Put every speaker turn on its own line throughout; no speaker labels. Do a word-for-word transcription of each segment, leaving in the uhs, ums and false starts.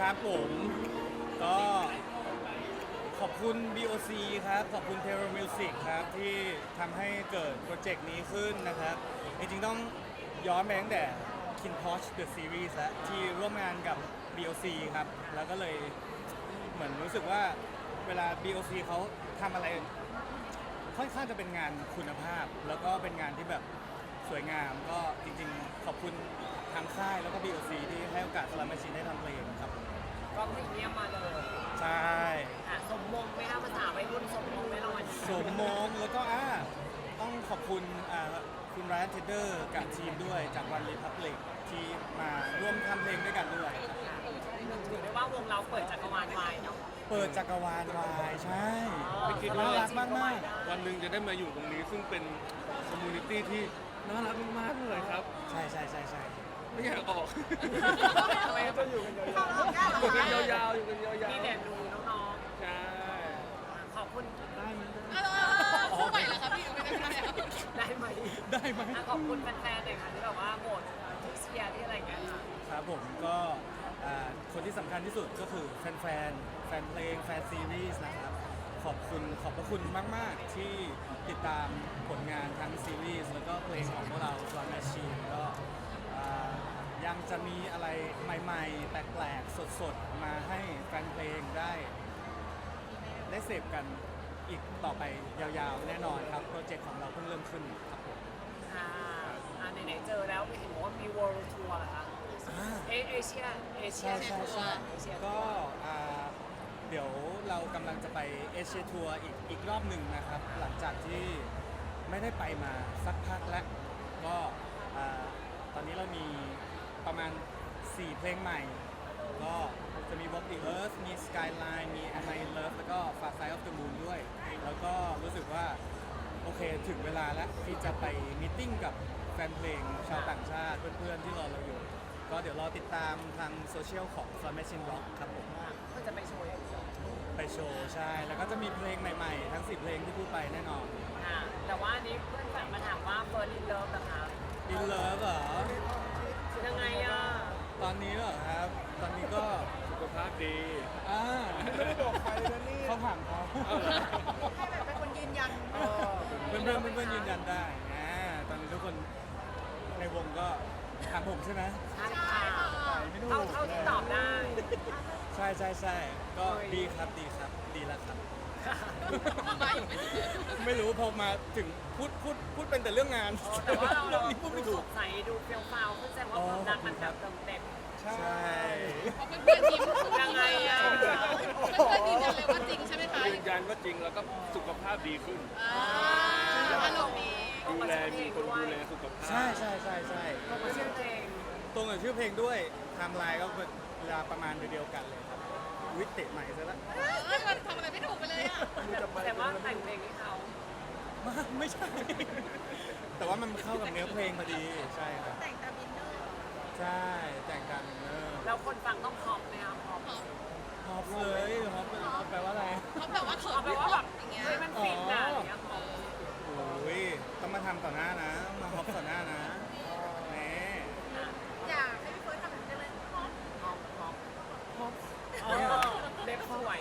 ครับผมก็ขอบคุณ บี โอ ซี ครับขอบคุณ Terra Music ครับที่ทำให้เกิดโปรเจกต์นี้ขึ้นนะครับจริงๆต้องย้อนไปตั้งแต่ KinPorsche The Series แล้วที่ร่วมงานกับ บี โอ ซี ครับแล้วก็เลยเหมือนรู้สึกว่าเวลา บี โอ ซี เขาทำอะไรค่อนข้างจะเป็นงานคุณภาพ แล้วก็เป็นงานที่แบบสวยงามก็จริงๆขอบคุณทางค่ายแล้วก็ บี โอ ซี ที่ให้โอกาสสลัมแมชชีนได้ทำเพลงครับ
ก็พรีเมียมมาเลย
ใช่
ค่ะสมมงไหมคะภาษาวัยรุ่นสมมงไหมรางวัลนี้
สมมงแล้วก็อ่าต้องขอบคุณอ่าคุณไรอันเทเดอร์กับทีมด้วยจากวันรีพับลิกที่มาร่วมทำเพลงด้วยกันด้วย
ค่ะถือได้ว่าวงเราเปิดจักรวาลวายเนาะ
เปิดจักรวาลวายใช่
ไม่คิด
น่า
ว่า
รักมากมาก
วันหนึ่งจะได้มาอยู่ตรงนี้ซึ่งเป็นคอมมูนิตี้ที่น่ารักมากๆเลยครับ
ใช่ใช่ใช่ใช่
ไม่อยากออก
ทำไมจะอยู่กัน
อยู่กันยาวๆอยู่กันยาว
มีแต่ดูน้อง
ๆใช่
ๆขอบคุณ
ได้ไหม
เออคู่ใหม่เหรอคะพี่ไม่ได้ไม่ได้
ได้ไหม
ได้ไหม
อ่ะขอบคุณแฟนๆหน่อยค่ะที่แบบว่าโหวตที่เชียร์ที่อะไรอย่างเงี้ยค่ะ
ครับผมก็อ่าคนที่สำคัญที่สุดก็คือแฟนแฟนๆแฟนเพลงแฟนซีรีส์นะครับขอบคุณขอบพระคุณมาก ๆ ที่ติดตามผลงานทั้งซีรีส์แล้วก็เพลงของพวกเรา Slot Machine ก็อ่ายังจะมีอะไรใหม่ ๆ แปลก ๆ สด ๆ มาให้แฟนเพลงได้ ได้เสพกันอีกต่อไปยาวๆ แน่นอนครับ โปรเจกต์ของเราเพิ่งเริ่มขึ้นครับผม
อ่าอ่าไหนๆเจอแล้วเห็นบอกว่ามี World Tour เหรอคะ
อ่า
เอเอเชียเอเชีย
ใช่ใช่ใช่
เอเชีย
ก็อ่าเดี๋ยวเรากำลังจะไปเอเชียทัวร์อีกอีกรอบหนึ่งนะครับ หลังจากที่ไม่ได้ไปมาสักพักแล้ว ก็อ่าตอนนี้เรามีประมาณ สี่ เพลงใหม่ ก็จะมี Walk the Earth มี Skyline มี Am I in Love แล้วก็ Far Side of the Moon ด้วย แล้วก็รู้สึกว่า โอเคถึงเวลาแล้วที่จะไปมีตติ้งกับแฟนเพลงชาวต่างชาติเพื่อนๆที่รอเราอยู่ ก็เดี๋ยวรอติดตามทางโซเชียลของ Slot Machine Rock ครับผม
ก็จะไปโชว์อย่างเดียว
ไปโชว์ใช่ แล้วก็จะมีเพลงใหม่ๆ ทั้ง สิบ เพลงที่พูดไปแน่นอน
อ่าแต่ว่าอันนี้เพื่อนฝากมาถามว่าเฟิร์นอินเลิฟนะคะ
In Love เหรอ
คือยังไงอ่ะ
ตอนนี้เหรอครับ ตอนนี้ก็
สุขภาพดี
อ่าไม่ได้บอกใครเลยนี่เขาถามเขา
ให้แบบเป็นคนยืนยัน
เพื่อนเพื่อนๆเพื่อนๆยืนยันได้นะตอนนี้ทุกคนในวงก็ถามผมใช่ไหม
ใช่ค่ะเท่าเท่าที่ตอบได้
ใช่ใช่ใช่ก็ดีครับดีครับดีแล้วครับ
มาอยู่ไม่ถึงเดือน
ไม่รู้พอมาถึงพูดพูดพูดเป็นแต่เรื่องงาน
แต่ว่าเราเรา
นี้พูดไม่
ดู
ถู
ส
ก
ดใสดูเฟี้ยวฟ้าวขึ้นแสดงว่าความรักมันแบบเติมเต็ม
ใช่
เพราะเพื่อนๆทีม
ยังไงอ่ะ
เพื่อนๆยืนยันเลยว่าจริงใช่ไหมคะ
ยืนยันว่าจริงแล้วก็สุขภาพดีขึ้น
อ่าอารมณ์ดี
ดูแลมีคนดูแลสุขภาพ
ใช่ใช่ใช่ใช่
ก็มาชื่อเพลง
ตรงกับชื่อเพลงด้วยไทม์ไลน์ก็เป็นเวลาประมาณเดียวกันเลยครับวิเตะใหม่ซะแล้ว
เอ้ยมันทำอะไรไม่ถูกไปเลยอ่ะ
แต่ว่าแต่งเพลงให้เขา
มาไม่ใช่ แต่ว่ามันเข้ากับเนื้อเพลงพอดีใช่ครับ
แต่งตามอินเนอร์
ใช่แต่งกันเออ
แล้วคนฟังต้องพร้อมไหมครับพร้อม
ฮอปเลยฮอปฮอปแปลว่าอะไร
เขาแบบว่าเขิ
เอา
น
แปลว่าแบบ
อย่างเงี้ย
เฮ้ยมันฟินนะอย่างเงี้ยพร้อม
โอ้ยต้องมาทำต่อหน้านะ มาฮอปต่อหน้านะแหม
อยากให้พี่เฟิร์สทำแบบนี้เลยพร้อม
พร้อมพร้อม
ฮอป
เออเล็บสวย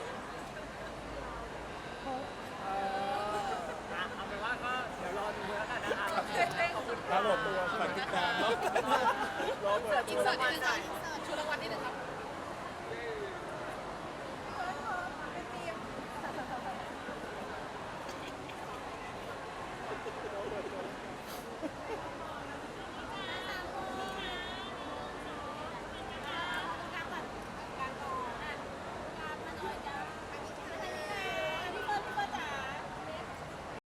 เอออ่ะเอาเป็นว่าก็เดี๋ยวรอดูแล้วกันนะคะขอบคุณ
ครับผมฝากติดตามเนาะ
รอเปิด
อิ
ตั
น
ว
เสิ
รา
ร์ต
งวัล
นิดนึง
หน่อย
ค่ะชูรางวัลนิดนึงครับ